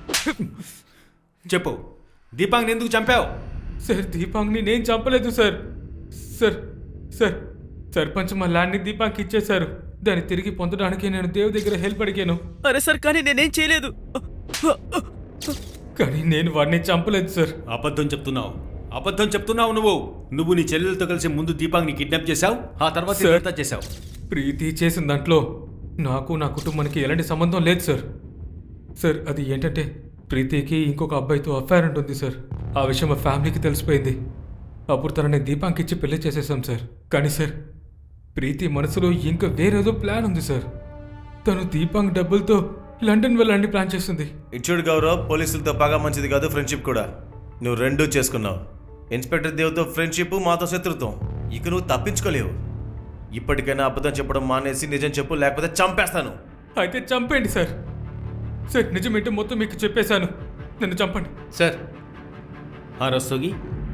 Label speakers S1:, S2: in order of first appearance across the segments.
S1: చెప్పు, దీపాంగ్ని ఎందుకు చంపావు?
S2: సార్ దీపాంగ్ని నేను చంపలేదు సార్. సార్ సార్ సర్పంచ్ మా ల్యాండ్ని దీపాంగ్కి ఇచ్చేశారు. దాన్ని తిరిగి పొందడానికి నేను దేవ్ దగ్గర హెల్ప్ అడిగాను.
S3: అరే సార్, కానీ నేనేం చేయలేదు.
S2: కానీ నేను వాడిని చంపలేదు సార్.
S1: అబద్ధం చెప్తున్నావు నువ్వు నీ చెల్లెలతో కలిసి ముందు దీపాంగ్ని కిడ్నాప్ చేశావు, ఆ తర్వాత
S2: సార్,
S1: ఇదంతా చేశావు.
S2: ప్రీతి చేసిన దాంట్లో నాకు నా కుటుంబానికి ఎలాంటి సంబంధం లేదు సార్. సార్ అది ఏంటంటే ప్రీతికి ఇంకొక అబ్బాయితో అఫైర్ ఉంటుంది సార్. ఆ విషయం మా ఫ్యామిలీకి తెలిసిపోయింది. అప్పుడు తనని దీపాంకి ఇచ్చి పెళ్లి చేసేసాం సార్. కానీ సార్ ప్రీతి మనసులో ఇంకా వేరేదో ప్లాన్ ఉంది సార్. తను దీపాంగ్ డబ్బులతో లండన్ వెళ్ళాలని ప్లాన్ చేస్తుంది.
S4: ఇచ్చుడు గౌరవ్, పోలీసులతో పగా మంచిది కాదు, ఫ్రెండ్షిప్ కూడా. నువ్వు రెండూ చేసుకున్నావు. ఇన్స్పెక్టర్ దేవ్తో ఫ్రెండ్షిప్, మాతో శత్రుత్వం. ఇక నువ్వు తప్పించుకోలేవు. ఇప్పటికైనా అబద్ధం చెప్పడం మానేసి నిజం చెప్పు, లేకపోతే చంపేస్తాను.
S2: అయితే చంపేయండి సార్. సార్ నిజమేంటో మొత్తం మీకు చెప్పేశాను, నన్ను చంపండి
S1: సార్. రస్తోగి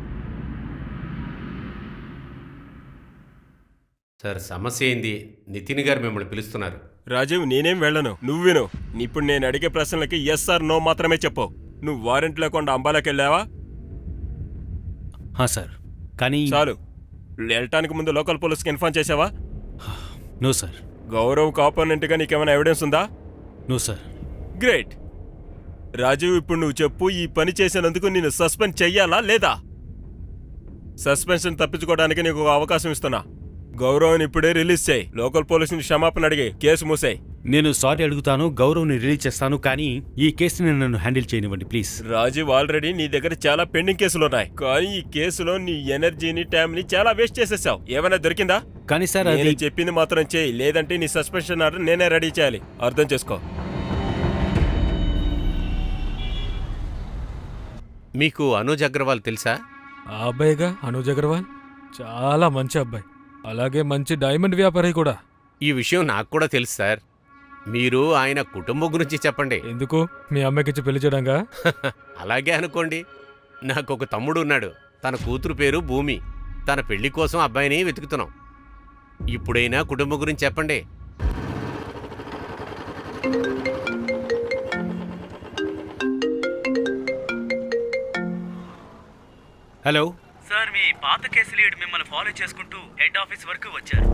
S5: సార్, సమస్య ఏంది? నితిన్ గారు మిమ్మల్ని పిలుస్తున్నారు.
S6: రాజీవ్, నేనేం వెళ్ళను, నువ్వు విను. ఇప్పుడు నేను అడిగే ప్రశ్నలకి ఎస్ ఆర్ నో మాత్రమే చెప్పు. నువ్వు వారెంట్ లేకుండా అంబాలాకి వెళ్ళావా?
S7: సార్. కానీ
S6: చాలు. వెళ్ళటానికి ముందు లోకల్ పోలీస్కి ఇన్ఫార్మ్ చేసావా?
S7: No sir.
S6: గౌరవ్ కాపోనెంట్గా నీకేమైనా ఎవిడెన్స్ ఉందా?
S7: No sir.
S6: గ్రేట్. రాజీవ్, ఇప్పుడు నువ్వు చెప్పు, ఈ పని చేసినందుకు నేను సస్పెండ్ చెయ్యాలా లేదా? సస్పెన్షన్ తప్పించుకోవడానికి నీకు ఒక అవకాశం ఇస్తున్నా. గౌరవ్ని ఇప్పుడే రిలీజ్ చేయి. లోకల్ పోలీసుని క్షమాపణ అడిగి కేసు మూసేయి.
S7: నేను సారీ అడుగుతాను, గౌరవ్ని రిలీజ్ చేస్తాను, కానీ ఈ కేసుని నన్ను హ్యాండిల్ చేయనివ్వండి ప్లీజ్.
S6: రాజీవ్, ఆల్రెడీ నీ దగ్గర చాలా పెండింగ్ కేసులున్నాయి, కానీ ఈ కేసులో నీ ఎనర్జీని, టైంని చాలా వేస్ట్ చేసేసావు. ఏమైనా దొరికిందా?
S7: కానీ సార్
S6: నేను చెప్పింది మాత్రం చేయి, లేదంటే నీ సస్పెన్షన్ ఆర్డర్ నేనే రెడీ చేయాలి. అర్థం చేసుకో.
S5: మీకు అనూజ్ అగ్రవాల్ తెలుసా?
S2: ఆ అబ్బాయిగా అనూజ్ అగర్వాల్ చాలా మంచి అబ్బాయి, అలాగే మంచి డైమండ్ వ్యాపారి కూడా.
S5: ఈ విషయం నాకు కూడా తెలుసు సార్. మీరు ఆయన కుటుంబం గురించి చెప్పండి.
S2: ఎందుకు? మీ అమ్మాయికిచ్చి పెళ్లి చేయడంగా?
S5: అలాగే అనుకోండి. నాకు ఒక తమ్ముడు ఉన్నాడు. తన కూతురు పేరు భూమి. తన పెళ్లి కోసం అబ్బాయిని వెతుకుతున్నాం. ఇప్పుడైనా కుటుంబం గురించి చెప్పండి.
S7: హలో
S3: సార్, మీ పాత కేసు లీడ్ మిమ్మల్ని ఫాలో చేసుకుంటూ హెడ్ ఆఫీస్ వరకు వచ్చారు.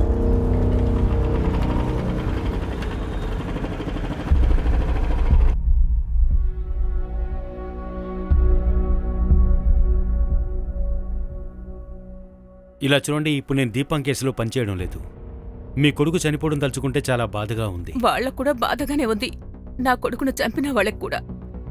S7: ఇలా చూడండి, ఇప్పుడు నేను దీపం కేసులో పనిచేయడం లేదు. మీ కొడుకు చనిపోవడం తలుచుకుంటే చాలా బాధగా ఉంది.
S8: వాళ్ళకు కూడా బాధగానే ఉంది, నా కొడుకును చంపిన వాళ్ళకి కూడా.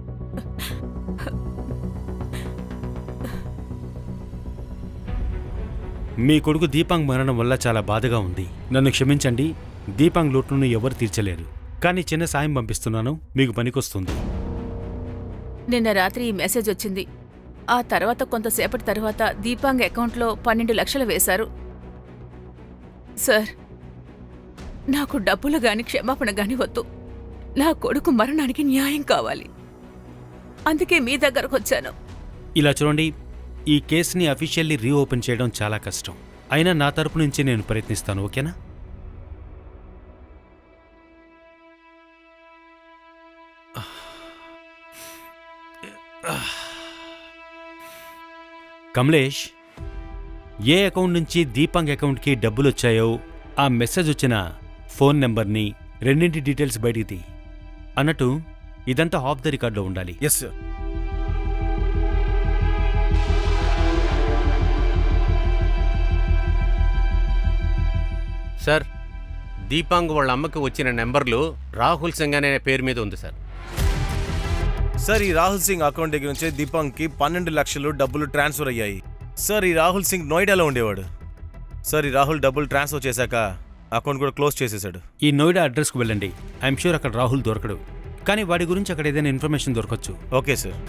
S7: మీ కొడుకు దీపాంగ్ మరణం వల్ల చాలా బాధగా ఉంది. నన్ను క్షమించండి. దీపాంగ్ లోటును ఎవరు తీర్చలేరు, కానీ చిన్న సాయం పంపిస్తున్నాను, మీకు పనికొస్తుంది.
S8: నిన్న రాత్రి ఈ మెసేజ్ వచ్చింది. ఆ తర్వాత కొంతసేపటి తర్వాత దీపాంగ్ అకౌంట్లో 12 లక్షలు వేశారు. సార్, నాకు డబ్బులు గాని క్షమాపణ గాని వద్దు. నా కొడుకు మరణానికి న్యాయం కావాలి, అందుకే మీ దగ్గరకు వచ్చాను.
S7: ఇలా చూడండి, ఈ కేసుని అఫీషియల్లీ రీఓపెన్ చేయడం చాలా కష్టం. అయినా నా తరపు నుంచి నేను ప్రయత్నిస్తాను, ఓకేనా? కమలేష్, ఏ అకౌంట్ నుంచి దీపాంగ్ అకౌంట్కి డబ్బులు వచ్చాయో ఆ మెసేజ్ వచ్చిన ఫోన్ నెంబర్ని, రెండింటి డీటెయిల్స్ బయటికి తీ. అన్నట్టు ఇదంతా ఆఫ్ ద రికార్డులో ఉండాలి.
S4: Yes sir.
S5: సార్, దీపాంగ్ వాళ్ళ అమ్మకి వచ్చిన నెంబర్లు రాహుల్ సింగ్ అనే పేరు మీద ఉంది సార్.
S4: సార్, ఈ రాహుల్ సింగ్ అకౌంట్ దగ్గర నుంచే దీపాంగ్కి 12 లక్షలు డబ్బులు ట్రాన్స్ఫర్ అయ్యాయి. సార్, ఈ రాహుల్ సింగ్ నోయిడాలో ఉండేవాడు. సార్, ఈ రాహుల్ డబ్బులు ట్రాన్స్ఫర్ చేశాక అకౌంట్ కూడా క్లోజ్ చేసేశాడు.
S7: ఈ నోయిడా అడ్రస్కు వెళ్ళండి. ఐఎమ్ షూర్ అక్కడ రాహుల్ దొరకడు, కానీ వాడి గురించి అక్కడ ఏదైనా ఇన్ఫర్మేషన్ దొరకచ్చు.
S4: Okay sir.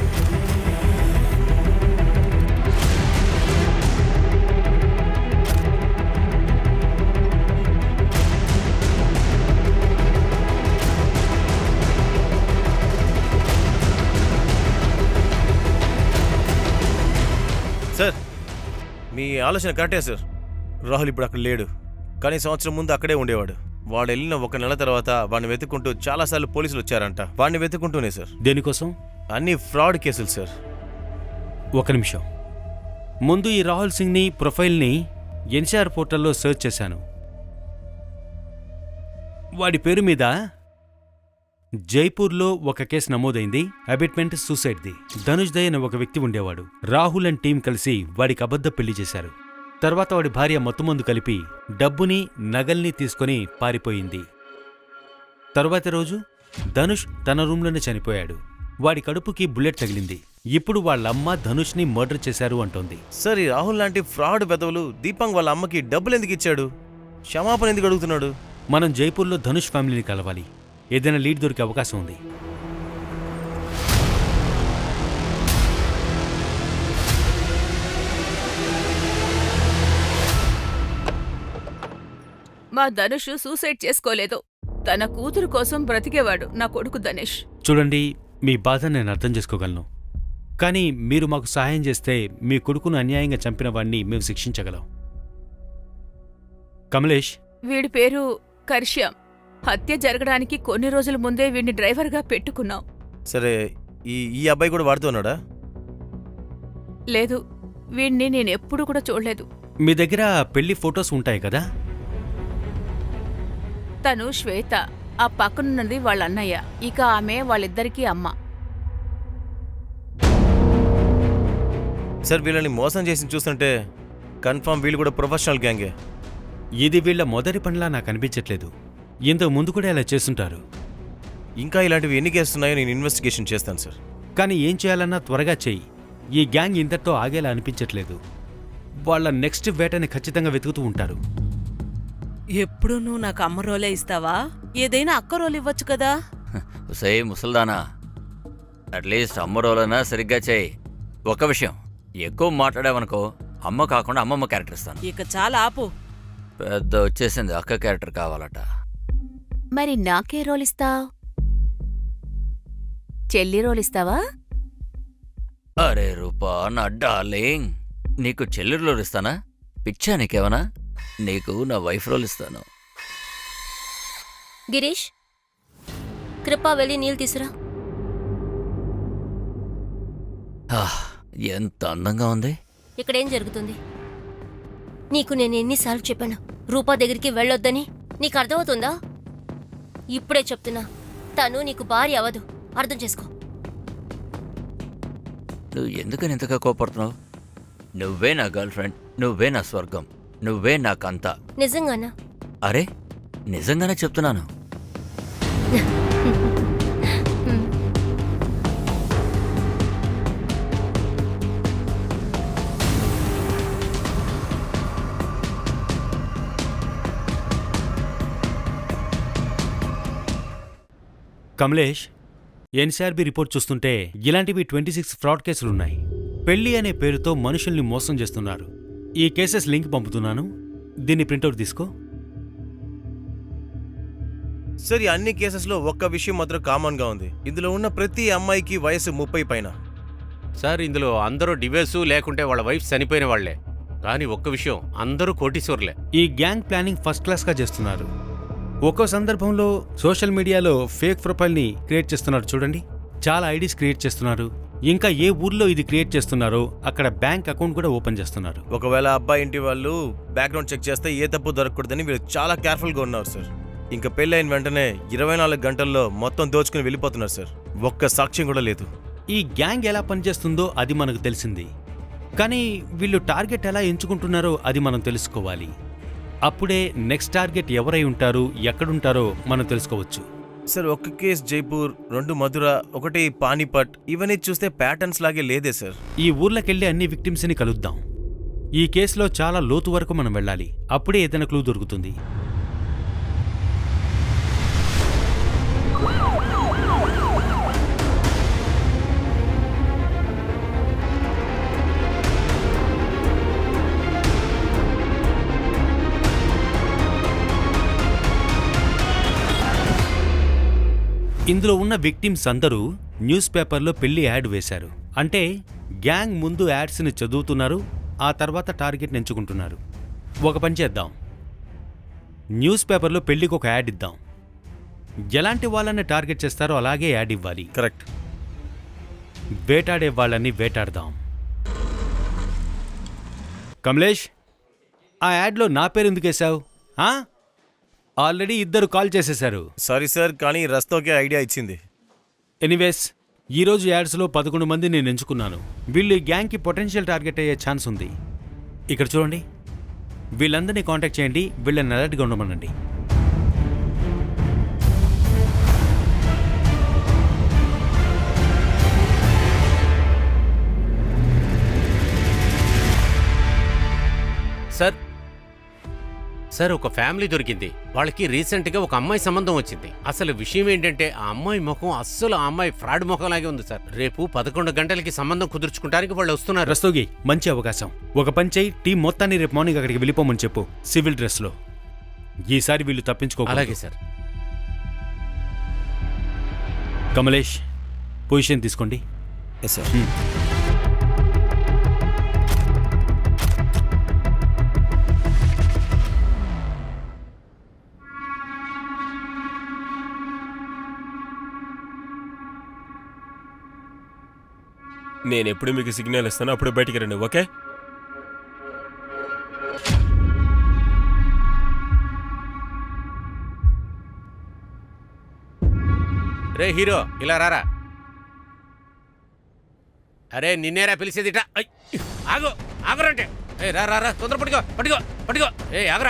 S4: సార్, మీ ఆలోచన కరెక్టే సార్. రాహుల్ ఇప్పుడు అక్కడ లేడు, కానీ సంవత్సరం ముందు అక్కడే ఉండేవాడు. వాడు వెళ్ళిన 1 నెల తర్వాత వాడిని వెతుక్కుంటూ చాలాసార్లు పోలీసులు వచ్చారంట. వాడిని వెతుక్కుంటూనే సార్.
S7: దేనికోసం?
S4: అన్ని ఫ్రాడ్ కేసులు సార్.
S7: ఒక నిమిషం. ముందు ఈ రాహుల్ సింగ్ని ప్రొఫైల్ని ఎన్సీఆర్ పోర్టల్లో సెర్చ్ చేశాను. వాడి పేరు మీద జైపూర్లో ఒక కేసు నమోదైంది. అబిట్మెంట్ సూసైడ్ది. ధనుష్ దయ్ అనే ఒక వ్యక్తి ఉండేవాడు. రాహుల్ అండ్ టీం కలిసి వాడికి అబద్ధ పెళ్లి చేశారు. తర్వాత వాడి భార్య మత్తుమందు కలిపి డబ్బుని నగల్ని తీసుకొని పారిపోయింది. తరువాతి రోజు ధనుష్ తన రూంలోనే చనిపోయాడు. వాడి కడుపుకి బుల్లెట్ తగిలింది. ఇప్పుడు వాళ్ళమ్మ ధనుష్ని మర్డర్ చేశారు అంటోంది.
S4: సార్, ఈ రాహుల్ లాంటి ఫ్రాడ్ బెదవులు దీపాంగ్ వాళ్ళ అమ్మకి డబ్బులు ఎందుకు ఇచ్చాడు? క్షమాపణ ఎందుకు అడుగుతున్నాడు?
S7: మనం జైపూర్లో ధనుష్ ఫ్యామిలీని కలవాలి. ఏదైనా లీడ్ దొరికే అవకాశం ఉంది.
S8: మా ధనుష్ సూసైడ్ చేసుకోలేదు. తన కూతురు కోసం బ్రతికేవాడు నా కొడుకు ధనుష్.
S7: చూడండి, మీ బాధ నేను అర్థం చేసుకోగలను. కానీ మీరు మాకు సహాయం చేస్తే మీ కొడుకును అన్యాయంగా చంపిన వాణ్ణి మేము శిక్షించగలం. కమలేష్,
S8: వీడి పేరు కర్ష్యాం. హత్య జరగడానికి కొన్ని రోజుల ముందే వీడిని డ్రైవర్గా పెట్టుకున్నాం.
S4: సరే, ఈ అబ్బాయి కూడా వాడుతున్నాడా?
S8: లేదు, వీడిని నేనెప్పుడు కూడా చూడలేదు.
S7: మీ దగ్గర పెళ్లి ఫొటోస్ ఉంటాయి కదా?
S8: తను శ్వేత, ఆ పక్కనున్నది వాళ్ళ అన్నయ్య. ఇక ఆమె వాళ్ళిద్దరికీ అమ్మ.
S4: సార్, వీళ్ళని మోసం చేసి చూస్తుంటే కన్ఫర్మ్ వీళ్ళు కూడా ప్రొఫెషనల్ గ్యాంగే.
S7: ఇది వీళ్ళ మొదటి పనిలా నాకు అనిపించట్లేదు. ఇంతకు ముందు కూడా ఇలా చేస్తుంటారు.
S4: ఇంకా ఇలాంటివి ఎన్ని కేసులున్నాయో నేను ఇన్వెస్టిగేషన్ చేస్తాను సార్.
S7: కానీ ఏం చేయాలన్నా త్వరగా చెయ్యి. ఈ గ్యాంగ్ ఇంతటితో ఆగేలా అనిపించట్లేదు. వాళ్ళ నెక్స్ట్ వేటని ఖచ్చితంగా వెతుకుతూ ఉంటారు.
S9: ఎప్పుడు నువ్వు నాకు అమ్మ రోలే ఇస్తావా? ఏదైనా అక్క రోలు ఇవ్వచ్చు కదా.
S10: సే ముసల్దానా, అట్లీస్ట్ అమ్మ రోలైనా సరిగ్గా చేయి. ఒక విషయం, ఎక్కువ మాట్లాడావనుకో అమ్మ కాకుండా అమ్మమ్మ క్యారెక్టర్ ఇస్తాను.
S9: ఇక చాలా ఆపు.
S10: పెద్ద వచ్చేసింది, అక్క క్యారెక్టర్ కావాలట.
S8: మరి నాకే రోలిస్తావ్? చెల్లి రోలిస్తావా?
S10: అరే రూపా, నా డార్లింగ్, నీకు చెల్లి రోల్ ఇస్తానా? పిచ్చా నీకేమన్నా? నీకు నా వైఫ్ రోల్ ఇస్తాను.
S11: గిరీష్, కృపా వెళ్ళి నీళ్ళు తీసురా.
S10: ఎంత అందంగా ఉంది.
S11: ఇక్కడేం జరుగుతుంది? నీకు నేను ఎన్నిసార్లు చెప్పాను రూపా దగ్గరికి వెళ్ళొద్దని? నీకు అర్థమవుతుందా? ఇప్పుడే చెప్తున్నా, తను నీకు భార్య అవ్వదు. అర్థం చేసుకో.
S10: నువ్వు ఎందుకని ఇంతగా కోపడుతున్నావు? నువ్వే నా గర్ల్ ఫ్రెండ్, నువ్వే నా స్వర్గం, నువ్వే నాకంతా.
S11: నిజంగానా?
S10: అరే నిజంగానే చెప్తున్నాను.
S7: కమలేష్, ఎన్సీఆర్బీ రిపోర్ట్ చూస్తుంటే ఇలాంటివి 26 ఫ్రాడ్ కేసులున్నాయి. పెళ్లి అనే పేరుతో మనుషుల్ని మోసం చేస్తున్నారు. ఈ కేసెస్ లింక్ పంపుతున్నాను, దీన్ని ప్రింటౌట్ తీసుకో.
S4: సార్, ఈ అన్ని కేసెస్లో ఒక్క విషయం మాత్రం కామన్గా ఉంది. ఇందులో ఉన్న ప్రతి అమ్మాయికి వయసు 30 పైన.
S5: సార్, ఇందులో అందరూ డివోర్సు లేకుంటే వాళ్ళ వైఫ్ చనిపోయిన వాళ్లే. కానీ ఒక్క విషయం, అందరూ కోటీశ్వర్లే.
S7: ఈ గ్యాంగ్ ప్లానింగ్ ఫస్ట్ క్లాస్గా చేస్తున్నారు. ఒక్కో సందర్భంలో సోషల్ మీడియాలో ఫేక్ ప్రొఫైల్ని క్రియేట్ చేస్తున్నారు. చూడండి, చాలా ఐడీస్ క్రియేట్ చేస్తున్నారు. ఇంకా ఏ ఊర్లో ఇది క్రియేట్ చేస్తున్నారో అక్కడ బ్యాంక్ అకౌంట్ కూడా ఓపెన్ చేస్తున్నారు.
S4: ఒకవేళ అబ్బాయి ఇంటి వాళ్ళు బ్యాక్గ్రౌండ్ చెక్ చేస్తే ఏ తప్పు దొరకకూడదని వీళ్ళు చాలా కేర్ఫుల్గా ఉన్నారు సార్. ఇంకా పెళ్ళైన వెంటనే 24 గంటల్లో మొత్తం దోచుకుని వెళ్ళిపోతున్నారు సార్. ఒక్క సాక్ష్యం కూడా లేదు.
S7: ఈ గ్యాంగ్ ఎలా పనిచేస్తుందో అది మనకు తెలిసింది. కానీ వీళ్ళు టార్గెట్ ఎలా ఎంచుకుంటున్నారో అది మనం తెలుసుకోవాలి. అప్పుడే నెక్స్ట్ టార్గెట్ ఎవరై ఉంటారు, ఎక్కడుంటారో మనం తెలుసుకోవచ్చు.
S4: సార్, ఒక కేసు జైపూర్, 2 మధుర, 1 పానీపట్, ఇవన్నీ చూస్తే ప్యాటర్న్స్ లాగే లేదే సార్.
S7: ఈ ఊర్లకెళ్ళి అన్ని విక్టిమ్స్ని కలుద్దాం. ఈ కేసులో చాలా లోతు వరకు మనం వెళ్ళాలి. అప్పుడే ఏదైనా క్లూ దొరుకుతుంది. ఇందులో ఉన్న విక్టిమ్స్ అందరూ న్యూస్ పేపర్లో పెళ్లి యాడ్ వేశారు. అంటే గ్యాంగ్ ముందు యాడ్స్ని చదువుతున్నారు, ఆ తర్వాత టార్గెట్ని ఎంచుకుంటున్నారు. ఒక పని చేద్దాం, న్యూస్ పేపర్లో పెళ్లికి ఒక యాడ్ ఇద్దాం. ఎలాంటి వాళ్ళని టార్గెట్ చేస్తారో అలాగే యాడ్ ఇవ్వాలి.
S4: కరెక్ట్.
S7: వేటాడే వాళ్ళని వేటాడదాం. కమలేష్, ఆ యాడ్లో నా పేరు ఎందుకు వేశావు? ఆల్రెడీ 2 కాల్ చేసేశారు.
S4: సారీ సార్, కానీ రస్తోకే ఐడియా ఇచ్చింది.
S7: ఎనీవేస్, ఈరోజు యాడ్స్లో 11 మంది నేను ఎంచుకున్నాను. వీళ్ళు ఈ గ్యాంగ్కి పొటెన్షియల్ టార్గెట్ అయ్యే ఛాన్స్ ఉంది. ఇక్కడ చూడండి, వీళ్ళందరినీ కాంటాక్ట్ చేయండి, వీళ్ళని అలర్ట్గా ఉండమనండి.
S5: సార్ ఒక ఫ్యామిలీ దొరికింది. వాళ్ళకి రీసెంట్గా ఒక అమ్మాయి సంబంధం వచ్చింది. అసలు విషయం ఏంటంటే ఆ అమ్మాయి ముఖం అస్సలు ఆ అమ్మాయి ఫ్రాడ్ ముఖంలాగే ఉంది సార్. రేపు 11 గంటలకి సంబంధం కుదుర్చుకోవడానికి వాళ్ళు వస్తున్నారు.
S7: రస్తోగి, మంచి అవకాశం. ఒక పని చేయి, టీం మొత్తాన్ని రేపు మార్నింగ్ అక్కడికి వెళ్ళిపోమని చెప్పు, సివిల్ డ్రెస్లో. ఈసారి వీళ్ళు తప్పించుకో.
S5: అలాగే సార్.
S7: కమలేష్, పొజిషన్ తీసుకోండి.
S4: Yes sir.
S6: నేను ఎప్పుడు మీకు సిగ్నల్ ఇస్తాను అప్పుడు బయటికి రండి, ఓకే?
S5: రే హీరో, ఇలా రారా. అరే నిన్నేరా పిలిచేదిట. ఆగు, ఆగురంటే. ఏ రా రా రా, తొందర పట్టుకో పట్టుకో పట్టుకో. ఏ ఆగరా.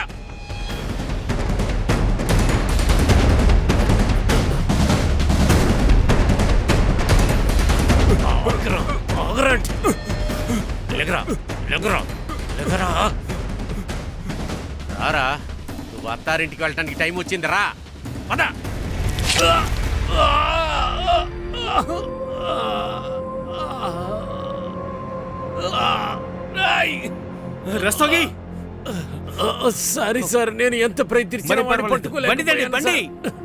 S5: రారా, నువ్వు అత్తారింటికి వెళ్ళటానికి టైం వచ్చింది. రా పద.
S7: రస్తోగి,
S5: సారీ సార్, నేను ఎంత ప్రయత్నించినా వాడిని పట్టుకోలేకపోయాను
S7: బండి.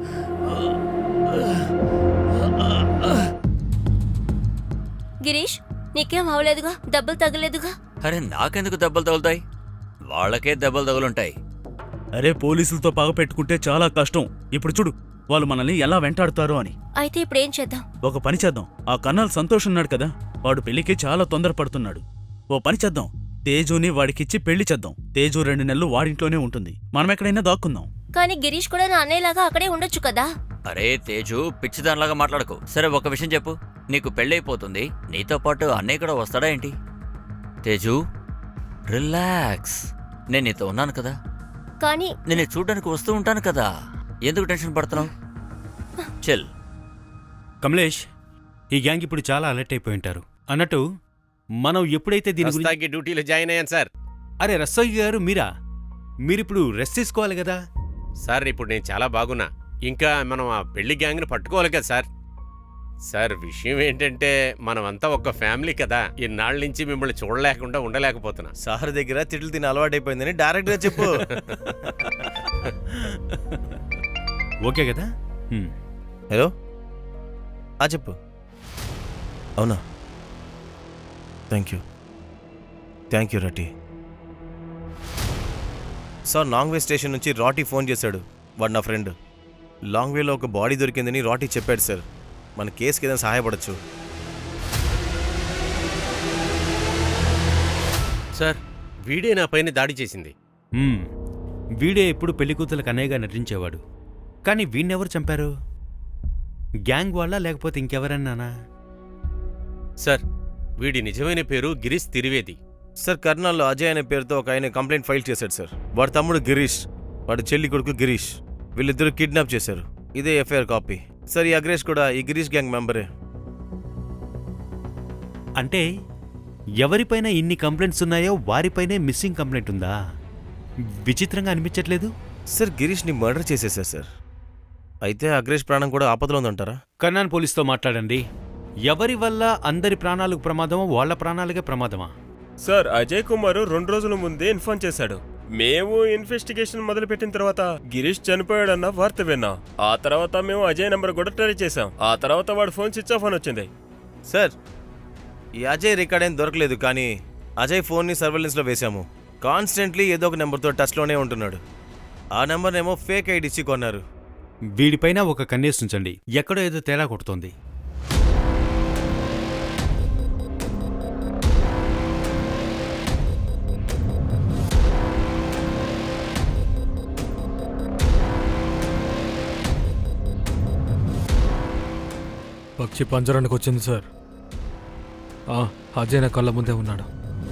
S11: గిరీష్, నీకేం అవలేదుగా? దెబ్బలు తగలేదుగా?
S10: అరే నాకెందుకు దెబ్బలు తగులుతాయి? వాళ్ళకే దెబ్బలు తగులుంటాయి.
S3: అరే పోలీసులతో పగ పెట్టుకుంటే చాలా కష్టం. ఇప్పుడు చూడు వాళ్ళు మనల్ని ఎలా వెంటాడుతారో అని.
S11: అయితే ఇప్పుడేం చేద్దాం?
S3: ఒక పని చేద్దాం. ఆ కర్నల్ సంతోష్ ఉన్నాడు కదా, వాడు పెళ్లికి చాలా తొందరపడుతున్నాడు. ఓ పని చేద్దాం, తేజుని వాడికిచ్చి పెళ్లి చేద్దాం. తేజు 2 నెలలు వాడింట్లోనే ఉంటుంది, మనం ఎక్కడైనా దాక్కుందాం.
S11: కానీ గిరీష్ కూడా నా అన్నయ్యలాగా అక్కడే ఉండొచ్చు కదా.
S10: అరే తేజు, పిచ్చిదానిలాగా మాట్లాడకు. సరే ఒక విషయం చెప్పు, నీకు పెళ్ళైపోతుంది, నీతో పాటు అన్నయ్య కూడా వస్తాడా ఏంటి? తేజు రిలాక్స్, నేను నీతో ఉన్నాను కదా.
S11: కానీ
S10: నేను చూడడానికి వస్తూ ఉంటాను కదా, ఎందుకు టెన్షన్ పడుతున్నావు? చెల్.
S7: కమలేష్, ఈ గ్యాంగ్ ఇప్పుడు చాలా అలర్ట్ అయిపోయి ఉంటారు. అన్నట్టు మనం ఎప్పుడైతే దీని గురించి...
S5: రస్తాకి డ్యూటీలో జాయిన్ అయ్యాను సార్.
S7: అరే రస్తోగి గారు, మీరిప్పుడు రెస్ట్ తీసుకోవాలి కదా.
S5: సార్ ఇప్పుడు నేను చాలా బాగున్నా. ఇంకా మనం ఆ పెళ్లి గ్యాంగ్ని పట్టుకోవాలి కదా సార్. సార్ విషయం ఏంటంటే మనమంతా ఒక ఫ్యామిలీ కదా. ఇన్నాళ్ళ నుంచి మిమ్మల్ని చూడలేకుండా ఉండలేకపోతున్నా.
S4: సార్ దగ్గర తిట్లు తిని అలవాటైపోయిందని డైరెక్ట్గా చెప్పు.
S7: ఓకే కదా?
S4: హలో, చెప్పు. అవునా, థ్యాంక్ యూ రాటి. సార్, లాంగ్ వే స్టేషన్ నుంచి రాటి ఫోన్ చేశాడు. వాడు నా ఫ్రెండ్. లాంగ్ వేలో ఒక బాడీ దొరికిందని రాటి చెప్పాడు సార్. మన కేసుకి ఏదైనా సహాయపడచ్చు.
S5: సార్ వీడే నా పైన దాడి చేసింది.
S7: వీడే ఎప్పుడు పెళ్లికూతులకు అనేగా నటించేవాడు. కానీ వీణ్ణెవరు చంపారు? గ్యాంగ్ వాళ్ళ లేకపోతే ఇంకెవరన్నానా?
S5: సార్ వీడి నిజమైన పేరు గిరీష్ త్రివేది.
S4: సార్, కర్నల్లో అజయ్ అనే పేరుతో ఒక ఆయన కంప్లైంట్ ఫైల్ చేశాడు సార్. వాడి తమ్ముడు గిరీష్, వాడి చెల్లి కొడుకు గిరీష్, వీళ్ళిద్దరూ కిడ్నాప్ చేశారు. ఇదే ఎఫ్ఐఆర్ కాపీ సార్. ఈ అగ్రేష్ కూడా ఈ గిరీష్ గ్యాంగ్ మెంబరే.
S7: అంటే ఎవరిపైన ఇన్ని కంప్లైంట్స్ ఉన్నాయో వారిపైనే మిస్సింగ్ కంప్లైంట్ ఉందా? విచిత్రంగా అనిపించట్లేదు
S4: సార్. గిరీష్ని మర్డర్ చేసేసారు సార్. అయితే అగ్రేష్ ప్రాణం కూడా ఆపదలో ఉందంటారా?
S7: కర్నాన్ పోలీస్తో మాట్లాడండి. ఎవరి వల్ల అందరి ప్రాణాలకు ప్రమాదమో వాళ్ళ ప్రాణాలకే ప్రమాదమా?
S6: సార్, అజయ్ కుమార్ 2 రోజుల ముందే ఇన్ఫార్మ్ చేశాడు. మేము ఇన్వెస్టిగేషన్ మొదలుపెట్టిన తర్వాత గిరీష్ చనిపోయాడన్న వార్త విన్నాం. ఆ తర్వాత మేము అజయ్ నెంబర్ కూడా ట్రై చేశాం. ఆ తర్వాత వాడు ఫోన్ స్విచ్ ఆఫ్ అని వచ్చింది.
S4: సార్, ఈ అజయ్ రికార్డ్ ఏం దొరకలేదు, కానీ అజయ్ ఫోన్ని సర్వేలెన్స్లో వేశాము. కాన్స్టెంట్లీ ఏదో ఒక నెంబర్తో టచ్లోనే ఉంటున్నాడు. ఆ నెంబర్నేమో ఫేక్ ఐడిసి కొన్నారు.
S7: వీడిపైన ఒక కన్నేసి ఉంచండి, ఎక్కడో ఏదో తేడా కొడుతోంది.
S2: పక్షి పంజరానికి వచ్చింది సార్. అజయ్ నా కళ్ళ ముందే ఉన్నాడు.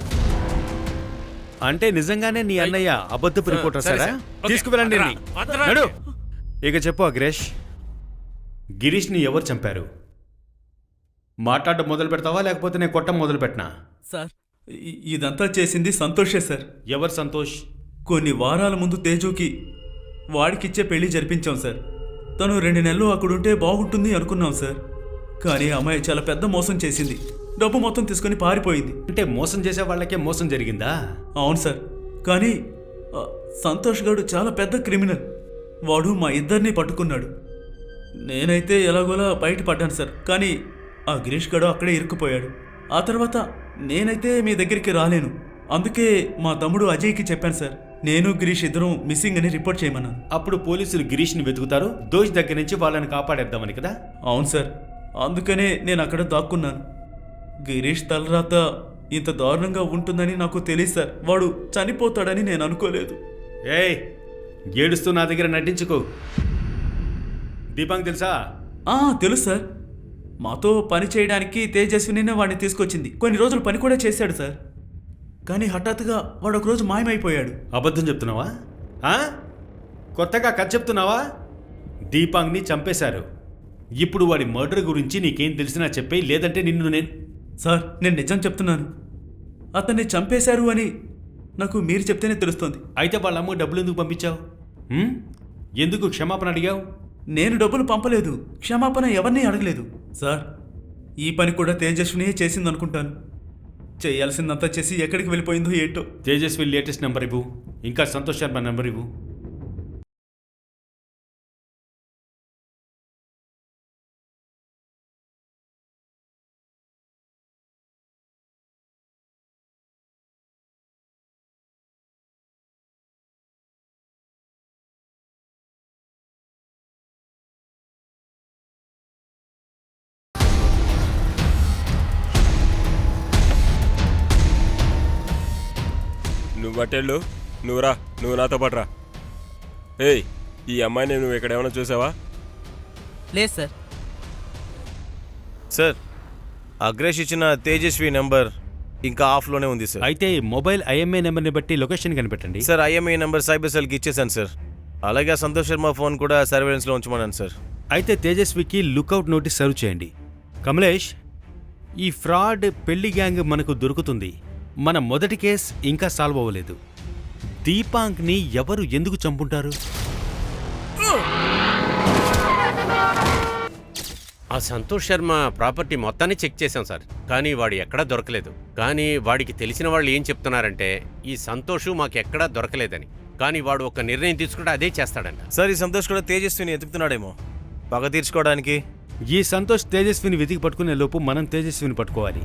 S7: అంటే నిజంగానే నీ అన్నయ్య అబద్ధపు రిపోర్టర్ సారా? తీసుకువెళ్ళండి. నడు. ఇక చెప్పు అగ్రేష్, గిరీష్ని ఎవరు చంపారు? మాట్లాడడం మొదలు పెడతావా లేకపోతే నేను కొట్టం మొదలు పెట్టినా?
S12: సార్ ఇదంతా చేసింది సంతోషే సార్.
S7: ఎవరు సంతోష్?
S12: కొన్ని వారాల ముందు తేజుకి వాడికిచ్చే పెళ్లి జరిపించాం సార్. తను 2 నెలలు అక్కడుంటే బాగుంటుంది అనుకున్నాం సార్. కానీ అమ్మాయి చాలా పెద్ద మోసం చేసింది. డబ్బు మొత్తం తీసుకొని పారిపోయింది.
S7: అంటే మోసం చేసే వాళ్ళకే మోసం జరిగిందా?
S12: అవును సార్. కానీ సంతోష్ గారు చాలా పెద్ద క్రిమినల్. వాడు మా ఇద్దరిని పట్టుకున్నాడు. నేనైతే ఎలాగోలా బయటపడ్డాను సార్. కానీ ఆ గిరీష్ గారు అక్కడే ఇరుక్కుపోయాడు. ఆ తర్వాత నేనైతే మీ దగ్గరికి రాలేను. అందుకే మా తమ్ముడు అజయ్కి చెప్పాను సార్. నేను గిరీష్ ఇద్దరం మిస్సింగ్ అని రిపోర్ట్ చేయమన్నాను.
S7: అప్పుడు పోలీసులు గిరీష్ని వెతుకుతారు, దోషి దగ్గర నుంచి వాళ్ళని కాపాడేద్దామని కదా?
S12: అవును సార్. అందుకనే నేను అక్కడ దాక్కున్నాను. గిరీష్ తలరాత ఇంత దారుణంగా ఉంటుందని నాకు తెలియదు సార్. వాడు చనిపోతాడని నేను అనుకోలేదు.
S7: ఏయ్, ఏడుస్తూ నా దగ్గర నటించుకో. దీపాంగ్ తెలుసా?
S12: తెలుసు సార్. మాతో పని చేయడానికి తేజస్వినినే వాడిని తీసుకొచ్చింది. కొన్ని రోజులు పని కూడా చేశాడు సార్. కానీ హఠాత్తుగా వాడు ఒకరోజు మాయమైపోయాడు.
S7: అబద్ధం చెప్తున్నావా? కొత్తగా కథ చెప్తున్నావా? దీపాంగ్ని చంపేశారు. ఇప్పుడు వాడి మర్డర్ గురించి నీకేం తెలిసినా చెప్పేయి, లేదంటే నిన్ను
S12: సార్ నేను నిజం చెప్తున్నాను. అతన్ని చంపేశారు అని నాకు మీరు చెప్తేనే తెలుస్తుంది.
S7: అయితే వాళ్ళ అమ్మ డబ్బులు ఎందుకు పంపించావు? ఎందుకు క్షమాపణ అడిగావు?
S12: నేను డబ్బులు పంపలేదు, క్షమాపణ ఎవరిని అడగలేదు సార్. ఈ పని కూడా తేజస్వినియే చేసిందనుకుంటాను. చేయాల్సిందంతా చేసి ఎక్కడికి వెళ్ళిపోయిందో ఏంటో.
S7: తేజస్వి లేటెస్ట్ నెంబర్ ఇవ్వు, ఇంకా సంతోష్ శర్మ నెంబర్ ఇవ్వు.
S6: నువ్వు అటెళ్ళు, నువ్వు నాతో పాటు రా. ఏయ్, ఈ అమ్మాయిని నువ్వు ఇక్కడ ఏమైనా చూసావా?
S9: లేదు సార్.
S4: సార్, అగ్రేష్ ఇచ్చిన తేజస్వి నెంబర్ ఇంకా ఆఫ్లోనే ఉంది సార్.
S7: అయితే మొబైల్ ఐఎంఐ నెంబర్ని బట్టి లొకేషన్ కనిపెట్టండి.
S4: సార్, ఐఎంఐ నెంబర్ సైబర్ సెల్కి ఇచ్చేసాను సార్. అలాగే సంతోష్ శర్మ ఫోన్ కూడా సర్వేలెన్స్లో ఉంచమన్నాను సార్.
S7: అయితే తేజస్వికి లుకౌట్ నోటీస్ సర్వ్ చేయండి. కమలేష్, ఈ ఫ్రాడ్ పెళ్లి గ్యాంగ్ మనకు దొరుకుతుంది. మన మొదటి కేస్ ఇంకా సాల్వ్ అవ్వలేదు. దీపాంక్ని ఎవరు ఎందుకు చంపుంటారు?
S5: ఆ సంతోష్ శర్మ ప్రాపర్టీ మొత్తాన్ని చెక్ చేశాం సార్. కానీ వాడు ఎక్కడా దొరకలేదు. కానీ వాడికి తెలిసిన వాళ్ళు ఏం చెప్తున్నారంటే ఈ సంతోష్ మాకెక్కడా దొరకలేదని. కానీ వాడు ఒక నిర్ణయం తీసుకుంటే అదే చేస్తాడంట.
S4: సార్, ఈ సంతోష్ కూడా తేజస్విని ఎతుకుతున్నాడేమో పగ తీర్చుకోవడానికి.
S7: ఈ సంతోష్ తేజస్విని వెతికి పట్టుకునే లోపు మనం తేజస్విని పట్టుకోవాలి.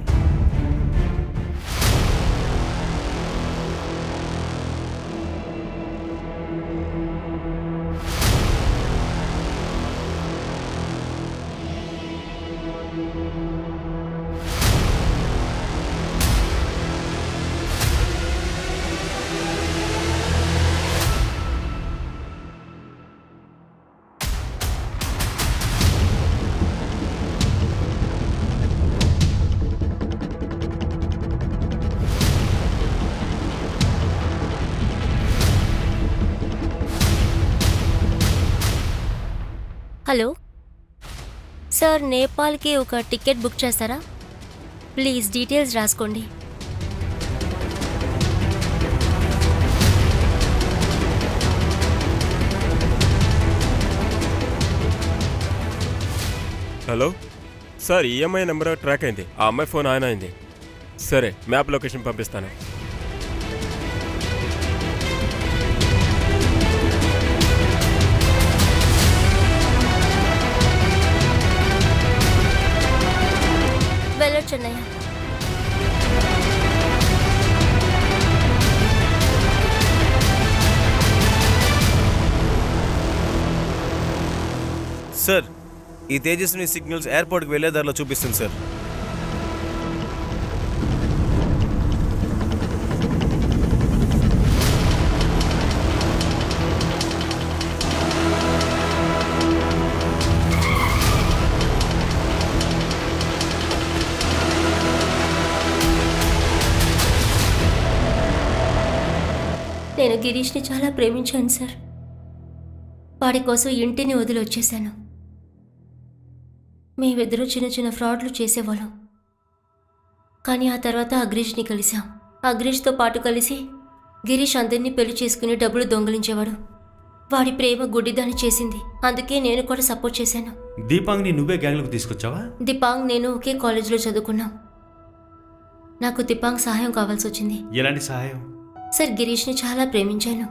S11: హలో సార్, నేపాల్కి ఒక టికెట్ బుక్ చేస్తారా? ప్లీజ్ డీటెయిల్స్ రాసుకోండి.
S6: Hello sir, EMI number track అయింది. ఆ అమ్మాయి ఫోన్ ఆన్ అయింది. సరే, మ్యాప్ లొకేషన్ పంపిస్తాను.
S11: వెళ్ళొచ్చన్నయ్య.
S4: సార్ ఈ తేజస్విని సిగ్నల్స్ ఎయిర్పోర్ట్కి వెళ్ళే దారిలో చూపిస్తుంది సార్.
S11: నేను గిరీష్ని చాలా ప్రేమించాను సార్. వాడి కోసం ఇంటిని వదిలి వచ్చేశాను. మేమిద్దరూ చిన్న చిన్న ఫ్రాడ్లు చేసేవాళ్ళం. కానీ ఆ తర్వాత అగ్రీష్ని కలిసాం. అగ్రీష్తో పాటు కలిసి గిరీష్ అందరినీ పెళ్లి చేసుకుని డబ్బులు దొంగిలించేవాడు. వాడి ప్రేమ గుడ్డిదాన్ని చేసింది. అందుకే నేను కూడా సపోర్ట్ చేశాను.
S7: దీపాంగ్ని నువ్వే గ్యాంగ్లోకి తీసుకొచ్చావా?
S11: దిపాంగ్ నేను ఒకే కాలేజీలో చదువుకున్నాం. నాకు దిపాంగ్ సహాయం కావాల్సి వచ్చింది.
S7: ఎలాంటి సహాయం?
S11: సార్, గిరీష్ని చాలా ప్రేమించాను.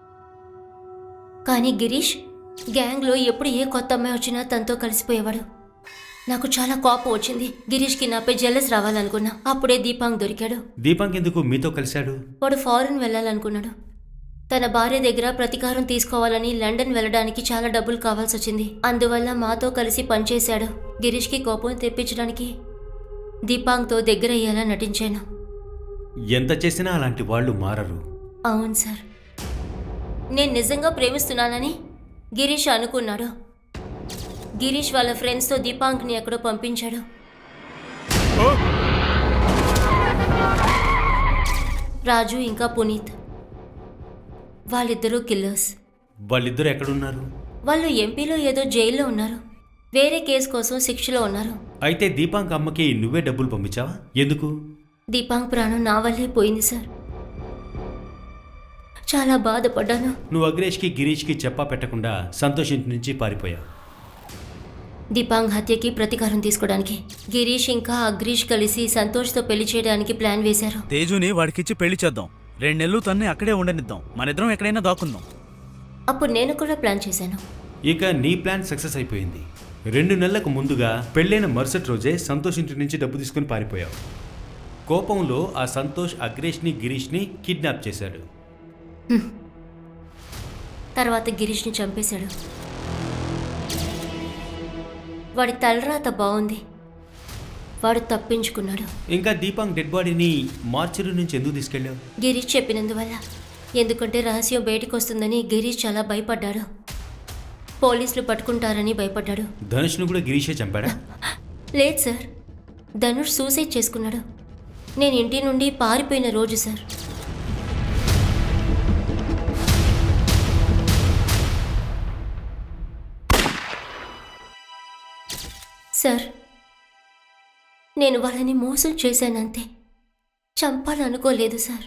S11: కానీ గిరీష్ గ్యాంగ్లో ఎప్పుడు ఏ కొత్త అమ్మాయి వచ్చినా తనతో కలిసిపోయేవాడు. నాకు చాలా కోపం వచ్చింది. గిరీష్కి నాపై జెలస్ రావాలనుకున్నా. అప్పుడే దీపాంగ్ దొరికాడు.
S7: దీపాంగ్ ఎందుకు మీతో కలిశాడు?
S11: వాడు ఫారెన్ వెళ్ళాలనుకున్నాడు. తన భార్య దగ్గర ప్రతీకారం తీసుకోవాలని లండన్ వెళ్ళడానికి చాలా డబ్బులు కావాల్సి వచ్చింది. అందువల్ల మాతో కలిసి పనిచేశాడు. గిరీష్కి కోపం తెప్పించడానికి దీపాంగ్తో దగ్గర అయ్యేలా నటించాను.
S7: ఎంత చేసినా అలాంటి వాళ్ళు మారరు.
S11: అవును సార్, నేను నిజంగా ప్రేమిస్తున్నానని గిరీష్ అనుకున్నాడు. గిరీష్ వాళ్ళ ఫ్రెండ్స్తో దీపాంక్ని ఎక్కడో పంపించాడు. రాజు ఇంకా పునీత్, వాళ్ళిద్దరూ కిల్లర్స్.
S7: వాళ్ళిద్దరూ ఎక్కడున్నారు?
S11: వాళ్ళు ఎంపీలో ఏదో జైల్లో ఉన్నారు. వేరే కేసు కోసం శిక్షలో ఉన్నారు.
S7: అయితే దీపాంక్ అమ్మకి నువ్వే డబ్బులు పంపించావా? ఎందుకు?
S11: దీపాంక్ ప్రాణం నా వల్లే పోయింది సార్. చాలా బాధపడ్డాను.
S7: నువ్వు అగ్రేష్కి గిరీష్కి చెప్పా పెట్టకుండా సంతోష్ ఇంటి నుంచి పారిపోయావు.
S11: దీపాంక్ హత్యకి ప్రతీకారం తీసుకోవడానికి గిరీష్ ఇంకా అగ్రీష్ కలిసి సంతోష్తో పెళ్లి చేయడానికి ప్లాన్ వేశారు.
S3: తేజుని వాడికిచ్చి పెళ్లి చేద్దాం. 2 నెలలు తన్నే అక్కడే ఉండనిద్దాం. మనిద్దరం ఎక్కడైనా దాక్కుందాం.
S11: అప్పుడు నేను కూడా ప్లాన్ చేశాను.
S7: ఇక నీ ప్లాన్ సక్సెస్ అయిపోయింది. 2 నెలలకు ముందుగా పెళ్ళైన మరుసటి రోజే సంతోష్ ఇంటి నుంచి డబ్బు తీసుకుని పారిపోయావు. కోపంలో ఆ సంతోష్ అగ్రేష్ని గిరీష్ని కిడ్నాప్ చేశాడు.
S11: తర్వాత గిరీష్ని చంపేశాడు. వాడి తలరాత బాగుంది. వాడు తప్పించుకున్నాడు.
S7: ఇంకా దీపాంక్ డెడ్ బాడీని మార్చరీ నుంచి ఎందుకు తీసుకెళ్ళావు?
S11: గిరీష్ చెప్పినందువల్ల. ఎందుకంటే రహస్యం బయటకు వస్తుందని గిరీష్ చాలా భయపడ్డాడు. పోలీసులు పట్టుకుంటారని భయపడ్డాడు.
S7: ధనుష్ను కూడా గిరీషే చంపాడా?
S11: లేదు సార్, ధనుష్ సూసైడ్ చేసుకున్నాడు. నేను ఇంటి నుండి పారిపోయిన రోజు సార్. సార్, నేను వాళ్ళని మోసం చేశానంతే. చంపాలనుకోలేదు సార్.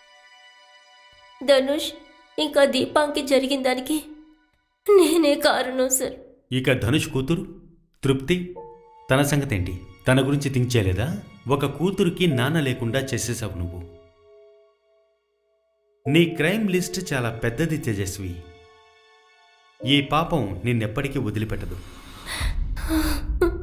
S11: ధనుష్ ఇంకా దీపాంకి జరిగిన దానికి నేనే కారణం సార్.
S7: ఇక ధనుష్ కూతురు తృప్తి, తన సంగతి ఏంటి? తన గురించి థింక్ చేయలేదా? ఒక కూతురికి నాన్న లేకుండా చేసేసావు నువ్వు. నీ క్రైమ్ లిస్ట్ చాలా పెద్దది తేజస్వి. ఈ పాపం నిన్నెప్పటికీ వదిలిపెట్టదు.